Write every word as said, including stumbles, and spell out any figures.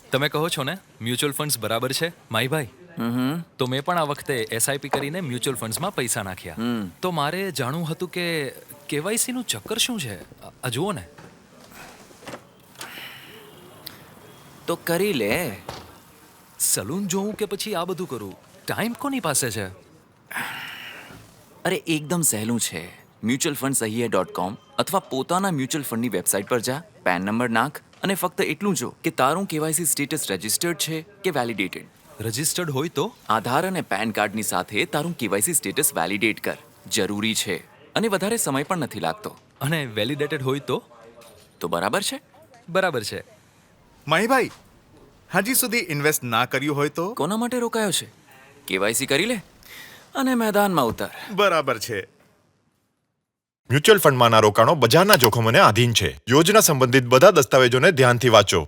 તમે કહો છો ને મ્યુચ્યુઅલ ફંડ્સ બરાબર છે માહીભાઈ. તો મેં પણ આ વખતે એસઆઈપી કરીને મ્યુચ્યુઅલ ફંડ્સમાં પૈસા નાખ્યા. તો મારે જાણવું હતું કે કેવાયસી નું ચક્કર શું છે. આ જુઓ ને. તો કરી લે. સલૂન જોઉં કે પછી આ બધું કરું? ટાઈમ કોની પાસે છે? અરે એકદમ સહેલું છે. મ્યુચ્યુઅલ ફંડ સહીએ ડોટ કોમ અથવા પોતાના મ્યુચ્યુઅલ ફંડની વેબસાઇટ પર જા, પેન નંબર નાખ અને ફક્ત એટલું જો કે તારું કેવાયસી સ્ટેટસ રજિસ્ટર્ડ છે કે વેલિડેટેડ. રજિસ્ટર્ડ હોય તો? આધાર અને પેન કાર્ડની સાથે તારું કેવાયસી સ્ટેટસ વેલિડેટ કર. જરૂરી છે અને વધારે સમય પણ નથી લાગતો. અને વેલિડેટેડ હોય તો? તો બરાબર છે. બરાબર છે. માહીભાઈ, હજી સુધી ઇન્વેસ્ટ ના કર્યું હોય તો? કોના માટે રોકાયો છે? કેવાયસી કરી લે અને મેદાનમાં ઉતાર. બરાબર છે. મ્યુચ્યુઅલ ફંડમાંના રોકાણો બજારના જોખમોને આધીન છે. યોજના સંબંધિત બધા દસ્તાવેજોને ધ્યાનથી વાંચો.